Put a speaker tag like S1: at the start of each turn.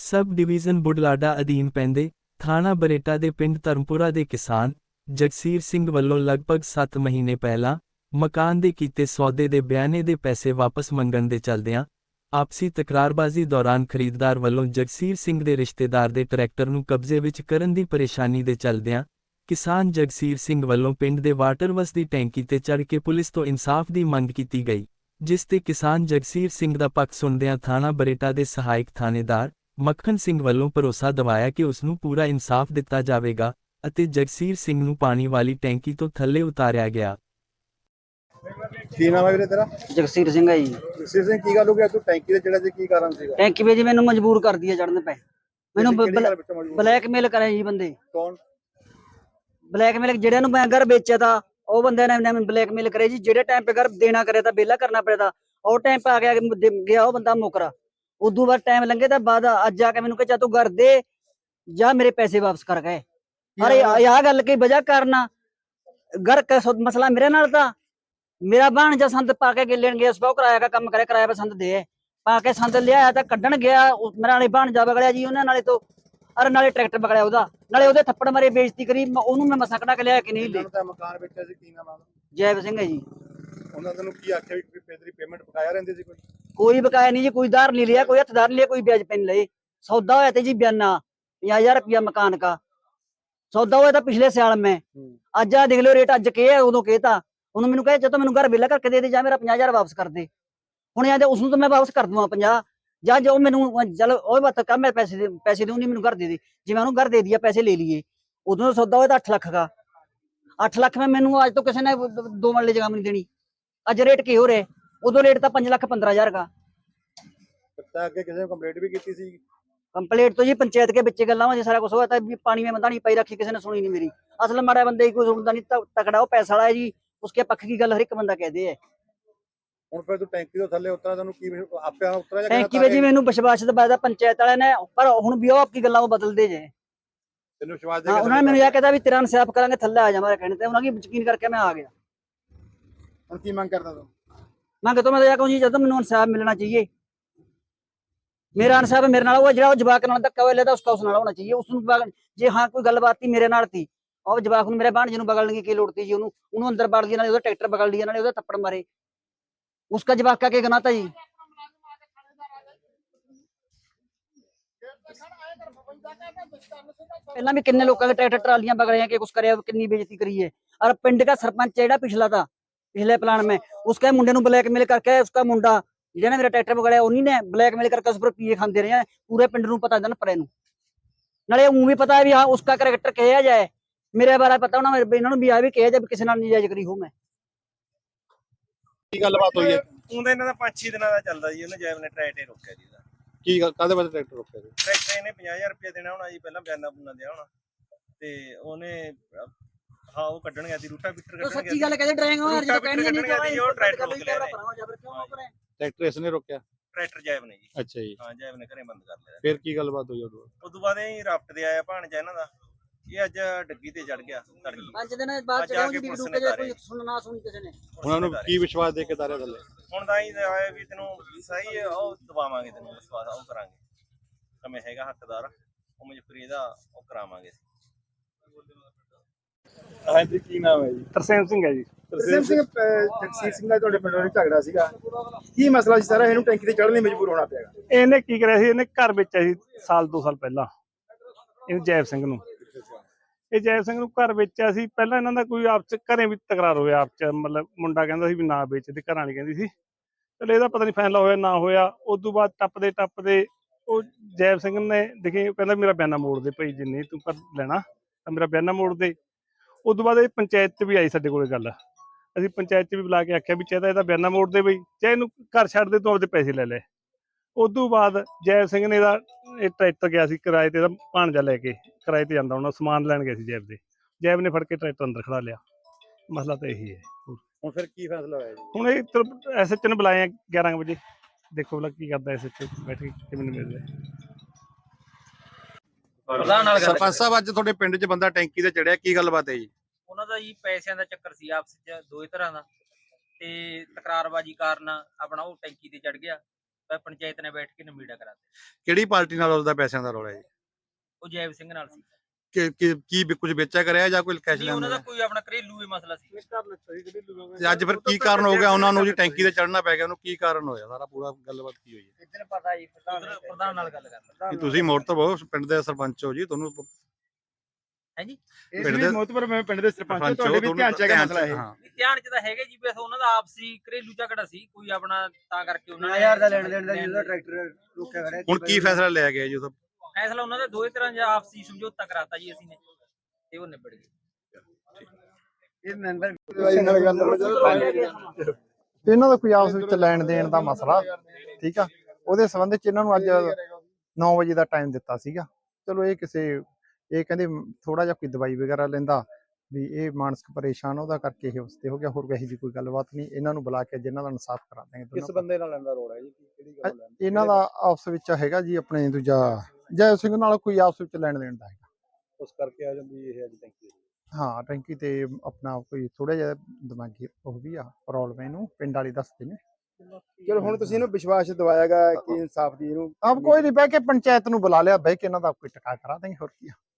S1: Sub division Budhlada ਅਧੀਨ ਪੈਂਦੇ ਥਾਣਾ ਬਰੇਟਾ ਦੇ ਪਿੰਡ ਧਰਮਪੁਰਾ ਦੇ ਕਿਸਾਨ ਜਗਸੀਰ ਸਿੰਘ ਵੱਲੋਂ ਲਗਭਗ 7 ਮਹੀਨੇ ਪਹਿਲਾਂ ਮਕਾਨ ਦੇ ਕੀਤੇ ਸੌਦੇ ਦੇ ਬਿਆਨੇ ਦੇ ਪੈਸੇ ਵਾਪਸ ਮੰਗਣ ਦੇ ਚੱਲਦਿਆਂ ਆਪਸੀ ਤਕਰਾਰਬਾਜ਼ੀ ਦੌਰਾਨ ਖਰੀਦਦਾਰ ਵੱਲੋਂ ਜਗਸੀਰ ਸਿੰਘ ਦੇ ਰਿਸ਼ਤੇਦਾਰ ਦੇ ਟਰੈਕਟਰ ਨੂੰ ਕਬਜ਼ੇ ਵਿੱਚ ਕਰਨ ਦੀ ਪਰੇਸ਼ਾਨੀ ਦੇ ਚੱਲਦਿਆਂ ਕਿਸਾਨ ਜਗਸੀਰ ਸਿੰਘ ਵੱਲੋਂ ਪਿੰਡ ਦੇ ਵਾਟਰਵਰਕਸ ਦੀ ਟੈਂਕੀ ਤੇ ਚੜ੍ਹ ਕੇ ਪੁਲਿਸ ਤੋਂ ਇਨਸਾਫ ਦੀ ਮੰਗ ਕੀਤੀ ਗਈ, ਜਿਸ ਤੇ ਕਿਸਾਨ ਜਗਸੀਰ ਸਿੰਘ ਦਾ ਪੱਖ ਸੁਣਦਿਆਂ ਥਾਣਾ ਬਰੇਟਾ ਦੇ ਸਹਾਇਕ ਥਾਣੇਦਾਰ ਮੱਖਣ ਸਿੰਘ ਵੱਲੋਂ ਭਰੋਸਾ ਦਿਵਾਇਆ ਕਿ ਉਸ ਨੂੰ ਪੂਰਾ ਇਨਸਾਫ ਦਿੱਤਾ ਜਾਵੇਗਾ ਅਤੇ ਜਗਸੀਰ ਸਿੰਘ ਨੂੰ ਪਾਣੀ ਵਾਲੀ ਟੈਂਕੀ ਤੋਂ ਥੱਲੇ ਉਤਾਰਿਆ ਗਿਆ।
S2: ਕੀ ਨਾਮ ਹੈ ਵੀਰੇ ਤੇਰਾ?
S3: ਜਗਸੀਰ ਸਿੰਘ ਹੈ ਜੀ।
S2: ਜਗਸੀਰ ਸਿੰਘ, ਕੀ ਗੱਲ ਹੋ ਗਿਆ ਤੂੰ ਟੈਂਕੀ ਤੇ ਚੜਿਆ ਸੀ, ਕੀ ਕਾਰਨ ਸੀਗਾ?
S3: ਟੈਂਕੀ ਵਿੱਚ ਮੈਨੂੰ ਮਜਬੂਰ ਕਰਦੀ ਹੈ ਚੜਨ ਪੈ। ਮੈਨੂੰ ਬਲੈਕਮੇਲ ਕਰਿਆ ਜੀ ਬੰਦੇ।
S2: ਕੌਣ
S3: ਬਲੈਕਮੇਲ? ਜਿਹੜਿਆਂ ਨੂੰ ਮੈਂ ਘਰ ਵੇਚਿਆ ਤਾਂ ਉਹ ਬੰਦੇ ਨੇ ਮੈਨੂੰ ਬਲੈਕਮੇਲ ਕਰਿਆ ਜੀ। ਜਿਹੜੇ ਟਾਈਮ पे घर देना करे ਤਾਂ बेला करना पड़े था, और टाइम पे आ गया वो बंदा मुकरा। उदू बाद टाइम लंघे तो बाद अज जाके मैंने कहा तू घर दे जा, मेरे पैसे वापस कर गए। अरे यह गल की वजह करना घर का मसला मेरे नाल था। मेरा भाणजा संद पाके लेन गया, सौ किराया का काम करे, किराया पे संद दे पाके संद लिया तो कड्ढन गया। मेरा नाले भाणजा बगड़िया जी उन्हें नाले तो, अरे नाले ट्रैक्टर बगड़िया ओदा, नाले ओदे थप्पड़ मारे, बेइज्जती करी। ओनू मैं मसा कढा के लिया कि नहीं ले।
S2: ਮਕਾਨ ਵੇਚਿਆ ਸੀ, ਕੀ ਨਾਮ ਆ?
S3: जैव सिंह है जी।
S2: ਉਹਨਾਂ ਤੈਨੂੰ ਕੀ ਆਖਿਆ ਵੀ ਤੇਰੀ ਪੇਮੈਂਟ ਬਕਾਇਆ ਰਹਿੰਦੀ ਸੀ?
S3: कोई बकाया नहीं जी, कोई धार नहीं लिया, कोई हथदार नहीं लिया, कोई ब्याज पे नहीं लए। सौदा होया था जी बयाना 50,000 रुपया मकान का सौदा होया था पिछले साल में। अज आ देख लो रेट, अज के है उदों कहता। उन्होंने मैंने कहा चलो मैंने घर वेला करके दे दे, जा मेरा 50,000 वापस कर दे। हुण आंदे उसनूं तो मैं वापस कर दूंगा 50, ਜਾਂ ਜੋ ਮੈਨੂੰ ਚਲ ਉਹ ਬਾਤ ਕਰ, ਮੈਂ ਪੈਸੇ ਦੇ ਉਹਨੇ ਮੈਨੂੰ ਘਰ ਦੇ ਦੇ। ਜਿਵੇਂ ਉਹਨੂੰ ਘਰ ਦੇ ਦਿਆ, ਪੈਸੇ ਲੈ ਲਈਏ। ਉਦੋਂ ਸੌਦਾ ਹੋਇਆ ਤਾਂ 8 ਲੱਖ ਦਾ। 8 ਲੱਖ में ਮੈਨੂੰ ਅੱਜ ਤੋਂ ਕਿਸੇ ਨੇ 2 ਮਰਲੇ ਜਗ੍ਹਾ ਨਹੀਂ ਦੇਣੀ। ਅੱਜ ਰੇਟ ਕੀ ਹੋ ਰਿਹਾ? ਉਦੋਂ ਰੇਟ ਤਾਂ 5,15,000 ਦਾ।
S2: ਤਾਂ ਅੱਗੇ ਕਿਸੇ ਨੇ ਕੰਪਲੇਂਟ ਵੀ ਕੀਤੀ ਸੀ?
S3: ਕੰਪਲੀਟ तो जी पंचायत के बच्चे गल्ला में सारा कुछ हुआ था। पानी में बंदा नहीं पाई रखी, किसी ने सुनी नहीं मेरी। असल माड़ा बंदे कोई सुनता नहीं, तकड़ा वो पैसा वाला है जी, उसके पक्ष की गल हर एक बंदा कहते है।
S2: ਹੁਣ ਫਿਰ ਤੂੰ ਟੈਂਕੀ ਤੋਂ ਥੱਲੇ ਉਤਰਾ, ਤੈਨੂੰ ਕੀ ਆਪੇ ਉਤਰਾ ਜਾਂ
S3: ਟੈਂਕੀ ਵਿੱਚ ਜੀ ਮੈਨੂੰ ਵਿਸ਼ਵਾਸ ਦਿਵਾਇਆ ਪੰਚਾਇਤ ਵਾਲਿਆਂ ਨੇ, ਪਰ ਹੁਣ ਵੀ ਉਹ ਆਪਕੀ ਗੱਲਾਂ ਉਹ ਬਦਲਦੇ ਜੇ।
S2: ਤੈਨੂੰ ਵਿਸ਼ਵਾਸ ਦੇ
S3: ਹਾਂ, ਉਹਨਾਂ ਨੇ ਮੈਨੂੰ ਇਹ ਕਹਿਤਾ ਵੀ ਤੇਰਾ ਇਨਸਾਫ ਕਰਾਂਗੇ, ਥੱਲੇ ਆ ਜਾ। ਮੇਰੇ ਕਹਿਣੇ ਤੇ ਉਹਨਾਂ ਦੀ ਯਕੀਨ ਕਰਕੇ ਮੈਂ ਆ ਗਿਆ।
S2: ਹੁਣ ਕੀ ਮੰਗ ਕਰਦਾ ਤੂੰ?
S3: ਮੰਗ तो मैं तो यह कहूँ जी, जब मैंने इंसाफ मिलना चाहिए। मेरा इंसाफ मेरे नाल जो जवाक नाल धक्का होया लेता, उसका उस नाल होना चाहिए। उसनूं जे हाँ कोई गलबात थी मेरे नाल थी, और जवाक नूं मेरे भाणजे नूं बगलण की लोड़ थी जी? उन्होंने अंदर बाड़ दिया, नाले उहदा ट्रैक्टर बगल दिया, नाले उहदा थप्पड़ मारे। उसका जवाक का गुनाह था जी? पहला भी किन्ने लोगों के ट्रैक्टर ट्रालियां बगड़े के कुछ करे, कितनी बेइज्जती करी है। और पिंड का सरपंच जेड़ा पिछला था, पिछले प्लान में, उसके मुंडे नूं ब्लैकमेल करके, उसका मुंडा जिहने मेरा ट्रैक्टर बगड़िया उन्हीं ने ब्लैकमेल करके उस पर पीए खांदे रहे हैं। पूरे पिंड नूं पता दन परे नूं, नाले ऊं भी पता है भी हाँ उसका करैक्टर कहा जाए। मेरे बारे पता होना, इन्हां नूं भी आ भी कहा जाए किसी नाल नाजायज करी हो। मैं
S2: ਕੀ ਗੱਲਬਾਤ ਹੋਈ ਹੈ?
S4: ਉਹਦਾ ਇਹਨਾਂ ਦਾ 5-6 ਦਿਨਾਂ ਦਾ ਚੱਲਦਾ ਜੀ। ਉਹਨੇ ਜੈਬ ਨੇ ਟਰੈਕਟਰ ਰੋਕਿਆ ਜੀ।
S2: ਕੀ ਕਾਹਦੇ ਵਾਸਤੇ ਟਰੈਕਟਰ ਰੋਕਿਆ ਸੀ?
S4: ਟਰੈਕਟਰ ਇਹਨੇ 50,000 ਰੁਪਏ ਦੇਣਾ ਹੋਣਾ ਜੀ, ਪਹਿਲਾਂ ਬਿਆਨਾ ਬੁਨਾ ਦਿਆ ਹੋਣਾ, ਤੇ ਉਹਨੇ ਹਾਂ ਉਹ ਕੱਢਣ ਗਿਆ ਸੀ ਰੂਟਾ ਬਿਟਰ ਕੱਢਣ ਗਿਆ।
S3: सच्ची गल कहते ड्राइंग हो यार, जो कहनी नहीं
S4: ਜੀ ਉਹ ਟਰੈਕਟਰ ਰੋਕ ਲਿਆ
S2: ਟਰੈਕਟਰ ਇਸ ਨੇ ਰੋਕਿਆ?
S4: ਟਰੈਕਟਰ ਜੈਬ ਨੇ ਜੀ।
S2: ਅੱਛਾ ਜੀ।
S4: ਹਾਂ, ਜੈਬ ਨੇ ਘਰੇ ਬੰਦ ਕਰ ਲਿਆ।
S2: ਫਿਰ ਕੀ ਗੱਲਬਾਤ ਹੋਈ ਉਦੋਂ?
S4: ਉਦੋਂ ਬਾਅਦ ਇਹ ਰਾਫਟ ਦੇ ਆਇਆ ਭਾਣਜਾ ਇਹਨਾਂ ਦਾ, ਇਹ ਅੱਜ ਡੱਗੀ ਤੇ ਚੜ ਗਿਆ ਤੜਕੀ।
S3: 5 दिन बाद चला जी डूके जे कोई सुनना सुनी किसी ने।
S2: ਉਹਨਾਂ ਨੂੰ ਕੀ ਵਿਸ਼ਵਾਸ ਦੇ ਕੇ ਤਾਰਿਆ ਥੱਲੇ?
S4: ਹੁਣ ਤਾਂ ਹੀ ਆਇਆ ਵੀ ਤੈਨੂੰ ਸਹੀ ਉਹ ਦਵਾਵਾਂਗੇ, ਤੈਨੂੰ ਵਿਸ਼ਵਾਸ ਉਹ ਕਰਾਂਗੇ, ਕਮੇ ਹੈਗਾ ਹੱਕਦਾਰ, ਉਹ ਮਜਬੂਰੀ ਦਾ ਉਹ ਕਰਾਵਾਂਗੇ।
S2: ਹਾਂਜੀ, ਕੀ ਨਾਮ ਹੈ ਜੀ?
S5: ਤਰਸੇਮ ਸਿੰਘ ਹੈ ਜੀ।
S2: ਤਰਸੇਮ ਸਿੰਘ, ਜਗਸੀਰ ਸਿੰਘ ਦਾ ਤੁਹਾਡੇ ਪਿੰਡ ਵਿੱਚ ਝਗੜਾ ਸੀਗਾ, ਕੀ ਮਸਲਾ ਸੀ ਸਾਰਾ? ਇਹਨੂੰ ਟੈਂਕੀ ਤੇ ਚੜ੍ਹਨ ਲਈ ਮਜਬੂਰ ਹੋਣਾ ਪਿਆ?
S5: ਇਹਨੇ ਕੀ ਕਰਿਆ ਸੀ, ਇਹਨੇ ਘਰ ਵੇਚਿਆ ਸੀ ਸਾਲ 2 ਸਾਲ ਪਹਿਲਾਂ। ਇਹਨੂੰ ਜੈਵ ਸਿੰਘ ਨੂੰ, ਇਹ ਜੈਵ ਸਿੰਘ ਨੂੰ ਘਰ ਵੇਚਿਆ ਸੀ। ਪਹਿਲਾਂ ਇਹਨਾਂ ਦਾ ਕੋਈ ਆਪਸ ਘਰੇ ਵੀ ਤਕਰਾਰ ਹੋਇਆ, ਆਪਸ ਚ ਮਤਲਬ ਮੁੰਡਾ ਕਹਿੰਦਾ ਸੀ ਵੀ ਨਾ ਵੇਚ, ਤੇ ਘਰਾਂ ਵਾਲੀ ਕਹਿੰਦੀ ਸੀ। ਚਲੋ ਇਹਦਾ ਪਤਾ ਨਹੀਂ ਫੈਸਲਾ ਹੋਇਆ ਨਾ ਹੋਇਆ। ਉਦੋਂ ਬਾਅਦ ਟੱਪਦੇ ਉਹ ਜੈਵ ਸਿੰਘ ਨੇ ਦੇਖੀ, ਕਹਿੰਦਾ ਮੇਰਾ ਬਿਆਨਾ ਮੋੜ ਦੇ ਭਾਈ, ਜਿੰਨੇ ਤੂੰ ਘਰ ਲੈਣਾ ਤਾਂ ਮੇਰਾ ਬਿਆਨਾ ਮੋੜ ਦੇ। ਉਦੋਂ ਬਾਅਦ ਇਹ ਪੰਚਾਇਤ 'ਚ ਵੀ ਆਈ ਸਾਡੇ ਕੋਲ ਗੱਲ। ਅਸੀਂ ਪੰਚਾਇਤ 'ਚ ਵੀ ਬੁਲਾ ਕੇ ਆਖਿਆ ਵੀ ਚਾਹੇ ਤਾਂ ਇਹਦਾ ਬਿਆਨਾ ਮੋੜ ਦੇ ਬਈ, ਚਾਹੇ ਇਹਨੂੰ ਘਰ ਛੱਡ ਦੇ, ਤੂੰ ਆਪਦੇ ਪੈਸੇ ਲੈ ਲੈ। ਉਦੋਂ ਬਾਅਦ ਜੈਵ ਸਿੰਘ ਨੇ ਇਹ ਟਰੈਕਟਰ ਗਿਆ ਸੀ ਕਿਰਾਏ ਤੇ, ਇਹਦਾ ਭਾਣਜਾ ਲੈ ਕੇ ਕਿਰਾਏ ਤੇ ਜਾਂਦਾ, ਉਹਨਾਂ ਸਮਾਨ ਲੈਣ ਗਿਆ ਸੀ ਜੈਬ ਦੇ। ਜੈਬ ਨੇ ਫੜ ਕੇ ਟਰੈਕਟਰ ਅੰਦਰ ਖੜਾ ਲਿਆ। ਮਸਲਾ ਤਾਂ ਇਹੀ ਹੈ।
S2: ਹੁਣ ਫਿਰ ਕੀ ਫੈਸਲਾ ਹੋਇਆ ਜੀ?
S5: ਹੁਣ ਇਹ ਐਸਐਚ ਨੂੰ ਬੁਲਾਏ 11 ਵਜੇ, ਦੇਖੋ ਭਲਾ ਕੀ ਕਰਦਾ ਐਸਐਚ ਬੈਠ ਕੇ, ਕਿਵੇਂ ਮਿਲ ਰਿਹਾ।
S2: ਸਰਪੰਚ ਸਾਹਿਬ, ਅੱਜ ਤੁਹਾਡੇ ਪਿੰਡ 'ਚ ਬੰਦਾ ਟੈਂਕੀ ਤੇ ਚੜਿਆ, ਕੀ ਗੱਲਬਾਤ ਹੈ ਜੀ?
S6: ਉਹਨਾਂ ਦਾ ਜੀ ਪੈਸਿਆਂ ਦਾ ਚੱਕਰ ਸੀ ਆਪਸ ਵਿੱਚ, ਦੋਏ ਤਰ੍ਹਾਂ ਦਾ, ਤੇ ਤਕਰਾਰਬਾਜੀ ਕਾਰਨ ਆਪਣਾ ਉਹ ਟੈਂਕੀ ਤੇ ਚੜ ਗਿਆ। ਪੰਚਾਇਤ ਨੇ ਬੈਠ ਕੇ ਨਿਬੇੜਾ ਕਰਾ ਦਿੱਤਾ।
S2: ਕਿਹੜੀ ਪਾਰਟੀ ਨਾਲ ਉਸਦਾ ਪੈਸਿਆਂ ਦਾ ਰੌਲਾ ਹੈ
S6: ਉਹ ਜੈਵ ਸਿੰਘ ਨਾਲ ਸੀ।
S2: ਕੀ ਕੁਝ ਵੇਚਿਆ ਕਰਿਆ ਜਾਂ ਕੋਈ ਕੈਸ਼
S6: ਨਹੀਂ, ਉਹਨਾਂ ਦਾ
S2: ਲੈਂਦਾ
S6: ਕੋਈ ਆਪਣਾ ਘਰੇਲੂ ਹੀ ਮਸਲਾ ਸੀ।
S2: ਤੇ ਅੱਜ ਫਿਰ ਕੀ ਕਾਰਨ ਹੋ ਗਿਆ ਉਹਨਾਂ ਨੂੰ ਜੀ ਟੈਂਕੀ ਤੇ ਚੜ੍ਹਨਾ ਪੈ ਗਿਆ ਉਹਨੂੰ ਕੀ ਕਾਰਨ ਹੋਇਆ ਸਾਰਾ ਪੂਰਾ ਗੱਲਬਾਤ ਕੀ ਹੋਈ ਹੈ
S3: ਇੱਧਰ ਪਤਾ ਜੀ
S6: ਪ੍ਰਧਾਨ ਨਾਲ ਗੱਲ ਕਰ
S2: ਕਿ ਤੁਸੀਂ ਮੋੜ ਤੋਂ ਬਹੁਤ ਪਿੰਡ ਦੇ ਸਰਪੰਚ ਹੋ ਜੀ ਤੁਹਾਨੂੰ
S6: ਹੈ ਜੀ।
S2: ਪਿੰਡ ਦੇ
S7: ਮੋਤਬਰ ਮੈਂ ਪਿੰਡ ਦੇ ਸਰਪੰਚ
S2: ਸਰਪੰਚ
S7: ਤੁਹਾਡੇ ਵੀ
S2: ਹੋ,
S7: ਧਿਆਨ ਚ ਹੈਗਾ
S2: ਧਿਆਨ
S7: ਮਸਲਾ ਇਹ
S2: ਹਾਂ।
S6: ਧਿਆਨ ਚ ਤਾਂ ਹੈਗਾ ਜੀ, ਬਸ ਉਹਨਾਂ ਦਾ ਆਪਸੀ ਘਰੇਲੂ ਝਗੜਾ ਸੀ ਕੋਈ ਆਪਣਾ, ਤਾਂ ਕਰਕੇ ਉਹਨਾਂ ਨੇ
S3: 9000 ਦਾ ਲੈਣ ਦੇਣ ਦਾ ਜਿਹਦਾ ਟਰੈਕਟਰ ਰੁਕਿਆ ਖੜਿਆ
S2: ਹੁਣ ਕੀ ਫੈਸਲਾ ਲਿਆ ਗਿਆ ਜੀ ਉਹਦਾ
S6: ਫੈਸਲਾ ਉਹਨਾਂ ਦਾ ਦੋਵੇਂ ਤਰ੍ਹਾਂ ਜਾਂ ਆਪਸੀ ਸਮਝੌਤਾ ਕਰਾਤਾ ਜੀ ਅਸੀਂ ਨੇ, ਤੇ ਉਹ ਨਿਬੜ ਗਏ।
S3: ਇਹ ਮੈਂਬਰ
S7: ਇਹਨਾਂ ਦਾ ਕੋਈ ਆਪਸ ਵਿੱਚ ਲੈਣ ਦੇਣ ਦਾ ਮਸਲਾ ਠੀਕ ਆ ਉਹਦੇ ਸੰਬੰਧ ਚ ਇਹਨਾਂ ਨੂੰ ਅੱਜ 9 ਵਜੇ ਦਾ ਟਾਈਮ ਦਿੱਤਾ ਸੀਗਾ। ਚਲੋ ਇਹ ਕਹਿੰਦੇ ਥੋੜਾ ਜਿਹਾ ਕੋਈ ਦਵਾਈ ਵਗੈਰਾ ਲੈਂਦਾ ਵੀ ਇਹ ਮਾਨਸਿਕ ਪਰੇਸ਼ਾਨ ਉਹਦਾ ਕਰਕੇ ਇਹ ਉਸਤੇ ਹੋ ਗਿਆ, ਹੋਰ ਵੈਸੇ ਦੀ ਕੋਈ ਗੱਲਬਾਤ ਨਹੀਂ। ਇਹਨਾਂ ਨੂੰ ਬੁਲਾ ਕੇ ਜਿਨ੍ਹਾਂ ਦਾ ਇਨਸਾਫ ਕਰਾ ਦਾਂਗੇ।
S2: ਕਿਸ ਬੰਦੇ ਨਾਲ ਲੈਂਦਾ ਰੋਲ ਹੈ ਜੀ ਕਿਹੜੀ ਗੱਲ ਹੈ
S7: ਇਹਨਾਂ ਦਾ ਆਪਸ ਵਿੱਚ ਹੈਗਾ ਜੀ ਆਪਣੇ ਦੂਜਾ ਜੈ ਸਿੰਘ ਨਾਲ ਕੋਈ ਆਪਸ ਵਿੱਚ ਲੈਣ ਦੇਣ ਦਾ ਹੈਗਾ।
S2: ਉਸ ਕਰਕੇ ਆ ਜਾਂਦੀ ਇਹ ਅੱਜ ਟੈਂਕੀ
S7: ਹਾਂ ਟੈਂਕੀ ਤੇ ਆਪਣਾ ਕੋਈ ਥੋੜਾ ਜਿਹਾ ਦਿਮਾਗੀ ਉਹ ਵੀ ਆ ਪ੍ਰੋਬਲਮ ਇਹਨੂੰ ਪਿੰਡ ਵਾਲੇ ਦੱਸਦੇ ਨੇ।
S2: ਚਲੋ ਹੁਣ ਤੁਸੀਂ ਇਹਨੂੰ ਵਿਸ਼ਵਾਸ ਦਿਵਾਇਆਗਾ ਕਿ ਇਨਸਾਫ ਦੀ ਇਹਨੂੰ
S7: ਆਪ ਕੋਈ ਨਹੀਂ ਬਹਿ ਕੇ ਪੰਚਾਇਤ ਨੂੰ ਬੁਲਾ ਲਿਆ, ਬਹਿ ਕੇ ਇਹਨਾਂ ਦਾ ਕੋਈ ਟਕਾ ਕਰਾ ਦੇਂਗੇ, ਹੋਰ ਕੀ ਆ।